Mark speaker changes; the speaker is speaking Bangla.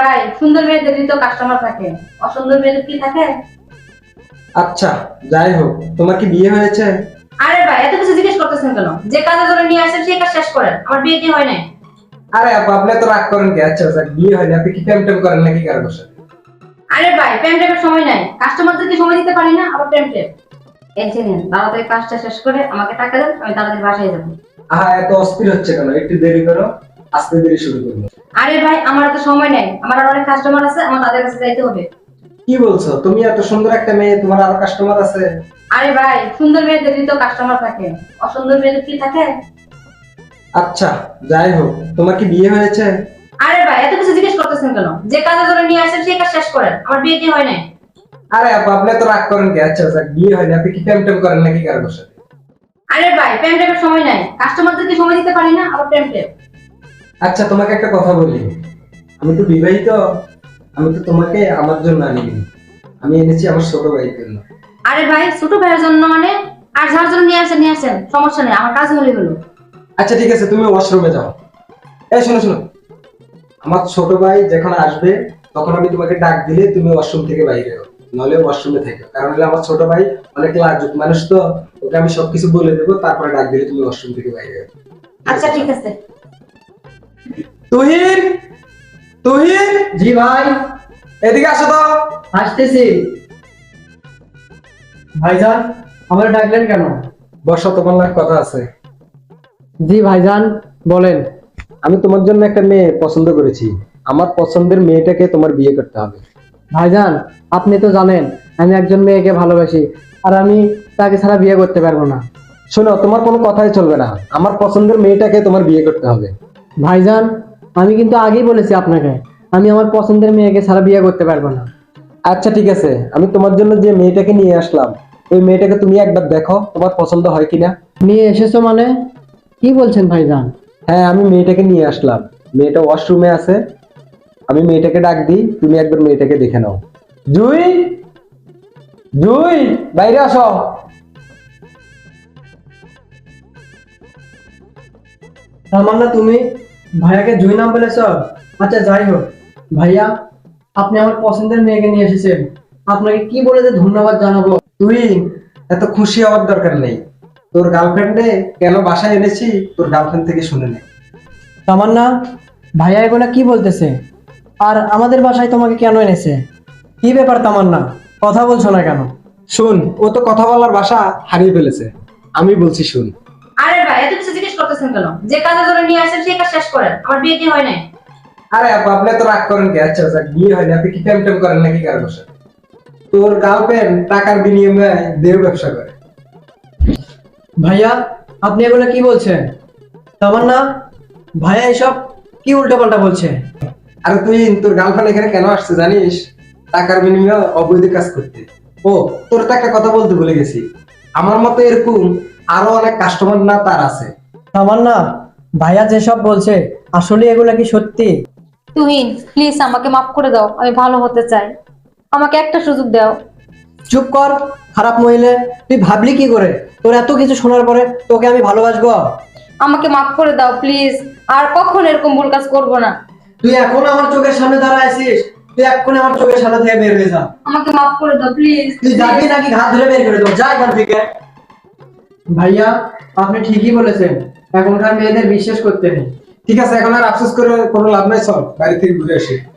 Speaker 1: ভাই, সুন্দর মেয়েদেরই তো কাস্টমার থাকে, অসুন্দর মেয়েদের কি থাকে?
Speaker 2: আচ্ছা, যাই হোক, তোমার কি বিয়ে হয়েছে?
Speaker 1: আরে ভাই, এত কিছু জিজ্ঞেস করতেছেন কেন? যে কাজে ধরে নিয়ে আসেন সেই কাজ শেষ করেন। আমার বিয়ে কি হয় নাই?
Speaker 2: আরে আপু, আপনি তো রাগ করেন কি? আচ্ছা আচ্ছা, বিয়ে হয়নি, আপনি কি প্রেম টেম করেন নাকি কারোর সাথে?
Speaker 1: আরে ভাই, প্রেম টেমের সময় নাই, কাস্টমারদেরকে সময় দিতে পারি না, আবার প্রেম টেম। এই যে নিন, তাড়াতাড়ি কাজটা শেষ করে আমাকে টাকা দেন, আমি তাড়াতাড়ি বাসায় যাবো।
Speaker 2: আহা, এত অস্থির হচ্ছে কেন? একটু দেরি করো, আস্তে দেরি শুরু করবো।
Speaker 1: আরে ভাই, আমার এত সময় নাই, আমার আর অনেক কাস্টমার আছে, আমার তাদের কাছে যাইতে হবে।
Speaker 2: কি বলছো? তুমি এত সুন্দর একটা মেয়ে, তোমার আরো কাস্টমার আছে?
Speaker 1: আরে ভাই, সুন্দর মেয়েদেরই তো কাস্টমার থাকে, অসুন্দর মেয়েদের কি থাকে?
Speaker 2: আচ্ছা, যাই হোক, তোমার কি বিয়ে হয়েছে?
Speaker 1: আরে ভাই, এত কিছু জিজ্ঞেস করতেছেন কেন? যে কাজে ধরে নিয়ে আসেন সেই কাজ শেষ করেন। আমার বিয়ে কি হয় নাই?
Speaker 2: আরে আপু, আপনি তো রাগ করেন কি? আচ্ছা আচ্ছা, বিয়ে হয়নি, আপনি কি প্রেম টেম করেন নাকি কারোর সাথে?
Speaker 1: আরে ভাই, প্রেম টেমের সময় নাই, কাস্টমারদেরকে সময় দিতে পারি না, আবার প্রেম টেম।
Speaker 2: আচ্ছা, তোমাকে একটা কথা বলি, আমি তো বিবাহিত, আমি তো তোমাকে আমার জন্য আনিনি, আমি এনেছি আমার ছোট ভাইয়ের জন্য।
Speaker 1: আরে ভাই, ছোট ভাইয়ের জন্য মানে? আর যার জন্য নিয়ে আসেন, সমস্যা নেই, আমার কাজ হলে হলো।
Speaker 2: আচ্ছা ঠিক আছে, তুমি ওয়াশরুমে যাও। এই শোনো শোনো, আমার ছোট ভাই যখন আসবে তখন আমি তোমাকে ডাক দিলে তুমি ওয়াশরুম থেকে বাইরে হও, নলে ওয়াশরুমে থেকো, কারণ হলে আমার ছোট ভাই অনেক লাজুক মানুষ তো, ওকে আমি সবকিছু বলে দেবো, তারপরে ডাক দিলে তুমি ওয়াশরুম থেকে বাইরে হও।
Speaker 1: আচ্ছা ঠিক আছে।
Speaker 2: তুহিন, তুহিন,
Speaker 3: জি ভাই,
Speaker 2: এদিকে আসো তো।
Speaker 3: আসতেছি। ভাইজান, আমার ডাকলেন কেন?
Speaker 2: বসো, তোমার লাগে কথা আছে।
Speaker 3: জি ভাইজান, বলেন।
Speaker 2: আমি তোমার জন্য একটা মেয়ে পছন্দ করেছি, আমার পছন্দের মেয়েটাকে তোমার বিয়ে করতে হবে।
Speaker 3: ভাইজান, আপনি তো জানেন আমি একজন মেয়েকে ভালোবাসি, আর আমি তাকে ছাড়া বিয়ে করতে পারবো না।
Speaker 2: শোনো, তোমার কোনো কথাই চলবে না, আমার পছন্দের মেয়েটাকে তোমার বিয়ে করতে হবে।
Speaker 3: ভাইজান, আমি কিন্তু আগেই বলেছি আপনাকে, আমি আমার পছন্দের মেয়েকে ছাড়া বিয়ে করতে পারবো না।
Speaker 2: আচ্ছা ঠিক আছে, আমি তোমার জন্য যে মেয়েটাকে নিয়ে আসলাম, ওই মেয়েটাকে তুমি একবার দেখো, তোমার পছন্দ হয় কিনা।
Speaker 3: নিয়ে এসেছো মানে? কি বলছেন ভাইজান?
Speaker 2: হ্যাঁ, আমি মেয়েটাকে নিয়ে আসলাম, মেয়েটা ওয়াশরুমে আছে, আমি মেয়েটাকে ডাক দিই, তুমি একবার মেয়েটাকে দেখে নাও। জুই, জুই, বাইরে আসো।
Speaker 3: তামান্না, তুমি ভাইয়াকে জুই নাম বলেছ? আচ্ছা যাই হোক, ভাইয়া আপনি আমার পছন্দের মেয়েকে নিয়ে এসেছেন, আপনাকে কি বলে যে ধন্যবাদ জানাবো।
Speaker 2: তুই এত খুশি হওয়ার দরকার নেই, তোর গার্লফ্রেন্ডে কেন বাসায় এনেছি তোর গার্লফ্রেন্ড থেকে শুনে নে।
Speaker 3: তামান্না, ভাইয়া এগুলা কি বলতেছে? আর আমাদের বাসায় তোমাকে কেন এনেছে? কি ব্যাপার তামান্না, কথা বলছো না কেন?
Speaker 2: শুন, ও তো কথা বলার ভাষা হারিয়ে ফেলেছে, আমি বলছি শুন।
Speaker 1: আরে ভাই, এত কিছু জিজ্ঞেস করতেছেন কেন? যে কাজে ধরে নিয়ে আসেন সেই কাজ শেষ করেন। আমার বিয়ে কি হয় নাই?
Speaker 2: আরে আপু, আপনি তো রাগ করেন কি? আচ্ছা আচ্ছা, বিয়ে হয়নি, আপনি কি প্রেম টেম করেন নাকি কারোর সাথে? তোর গার্লফ্রেন্ড টাকার বিনিময়ে দেহ ব্যবসা করে।
Speaker 3: ভাইয়া, আপনি এগুলা কি বলছেন? তামান্না, ভাইয়া এসব কি উল্টোপাল্টা বলছে?
Speaker 2: আরে তুই, তোর গার্লফ্রেন্ড এখানে কেন আসছে জানিস? টাকার বিনিময়ে অবৈধ কাজ করতে। ও, তোর তো একটা কথা বলতে ভুলে গেছি, আমার মতো এরকম আরো অনেক কাস্টমার না তার আছে।
Speaker 3: তামান্না, ভাইয়া যেসব বলছে আসলে এগুলা কি সত্যি?
Speaker 1: তুহিন, প্লিজ আমাকে মাফ করে দাও, আমি ভালো হতে চাই, আমাকে একটা সুযোগ দাও।
Speaker 3: চুপ কর, খারাপ মহিলা। তুই ভাবলি কি করে? তোর এত কিছু শোনার পরে তোকে আমি ভালোবাসবো?
Speaker 1: আমাকে মাফ করে দাও প্লিজ, আর কখনো এরকম ভুল কাজ করবো না।
Speaker 3: তুই এখন আমার চোখের সামনে দাঁড়ায় আছিস, তুই এক্ষুনি আমার চোখের সামনে থেকে বের হয়ে যা।
Speaker 1: আমাকে মাফ করে দাও প্লিজ।
Speaker 3: তুই যাবি নাকি ঘাত ধরে বের করে দেবো? যা এখান থেকে। ভাইয়া, আপনি ঠিকই বলেছেন, এখনকার মেয়েদের বিশ্বাস করতে নেই।
Speaker 2: ঠিক আছে, এখন আর আফসোস করে কোনো লাভ নাই, চল বাইরে থেকে ঘুরে আসি।